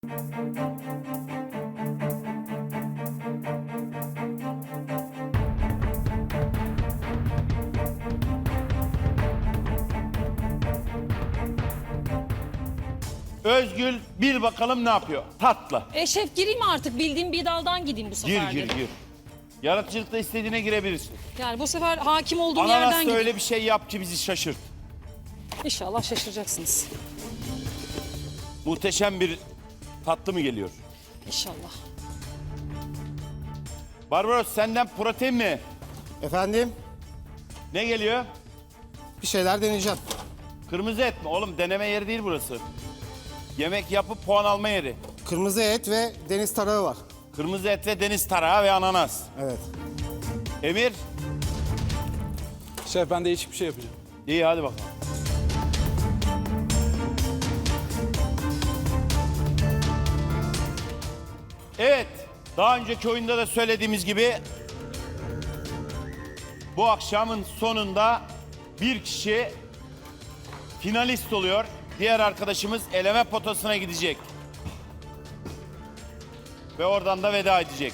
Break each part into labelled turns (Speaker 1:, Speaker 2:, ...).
Speaker 1: Özgül bir bakalım ne yapıyor? Tatlı.
Speaker 2: Şef gireyim artık, bildiğim bir daldan gideyim bu sefer.
Speaker 1: Gir. Yaratıcılıkta istediğine girebilirsin.
Speaker 2: Yani bu sefer hakim olduğum yerden
Speaker 1: Ananas'ta
Speaker 2: gideyim.
Speaker 1: öyle bir şey yap ki bizi şaşırt.
Speaker 2: İnşallah şaşıracaksınız.
Speaker 1: Muhteşem bir tatlı mı geliyor?
Speaker 2: İnşallah.
Speaker 1: Barbaros senden protein mi?
Speaker 3: Efendim,
Speaker 1: Ne geliyor?
Speaker 3: bir şeyler deneyeceğim.
Speaker 1: Kırmızı et mi? Oğlum deneme yeri değil burası. Yemek yapıp puan alma yeri.
Speaker 3: Kırmızı et ve deniz tarağı var.
Speaker 1: Kırmızı et ve deniz tarağı ve ananas.
Speaker 3: Evet.
Speaker 1: Emir,
Speaker 4: Şef ben değişik bir şey yapacağım.
Speaker 1: iyi hadi bakalım. Evet, daha önceki oyunda da söylediğimiz gibi bu akşamın sonunda bir kişi finalist oluyor. Diğer arkadaşımız eleme potasına gidecek. Ve oradan da veda edecek.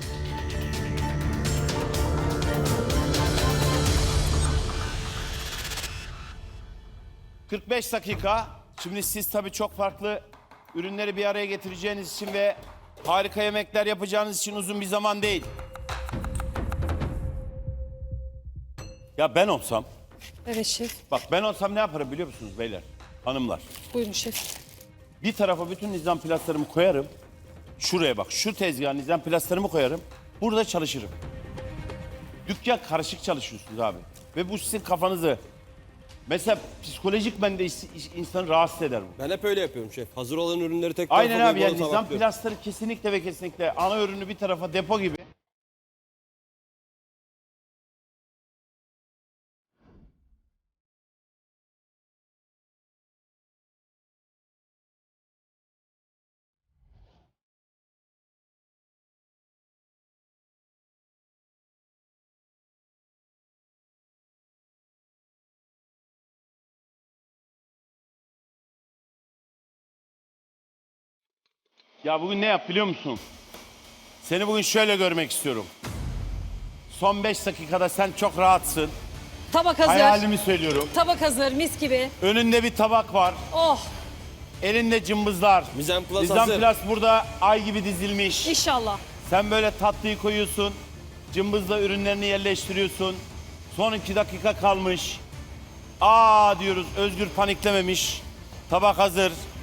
Speaker 1: ...45 dakika. Şimdi siz tabii çok farklı ürünleri bir araya getireceğiniz için ve harika yemekler yapacağınız için uzun bir zaman değil. Ya ben olsam,
Speaker 2: Evet şef.
Speaker 1: bak ben olsam ne yaparım biliyor musunuz beyler, hanımlar?
Speaker 2: Buyurun şef.
Speaker 1: Bir tarafa bütün nizam plaslarımı koyarım. Şuraya bak, şu tezgaha nizam plaslarımı koyarım. Burada çalışırım. Dükkan karışık çalışıyorsunuz abi. Ve bu sizin kafanızı... Mesela psikolojik bende insanı rahatsız eder bu.
Speaker 5: Ben hep öyle yapıyorum şef. Hazır olan ürünleri tek tarafa
Speaker 1: Aynen abi,
Speaker 5: koyup
Speaker 1: yani
Speaker 5: onu
Speaker 1: nizam
Speaker 5: tabaklıyorum.
Speaker 1: plasları kesinlikle ve kesinlikle ana ürünü bir tarafa depo gibi. Ya bugün ne yap biliyor musun? Seni bugün şöyle görmek istiyorum. Son 5 dakikada sen çok rahatsın.
Speaker 2: Tabak hazır.
Speaker 1: Hayalimi söylüyorum.
Speaker 2: Tabak hazır, mis gibi.
Speaker 1: Önünde bir tabak var.
Speaker 2: Oh,
Speaker 1: Elinde cımbızlar.
Speaker 5: Mizan Plus
Speaker 1: Nizam
Speaker 5: hazır.
Speaker 1: Plus burada ay gibi dizilmiş.
Speaker 2: inşallah.
Speaker 1: Sen böyle tatlıyı koyuyorsun. Cımbızla ürünlerini yerleştiriyorsun. Son 2 dakika kalmış. Aa diyoruz, Özgür paniklememiş. Tabak hazır.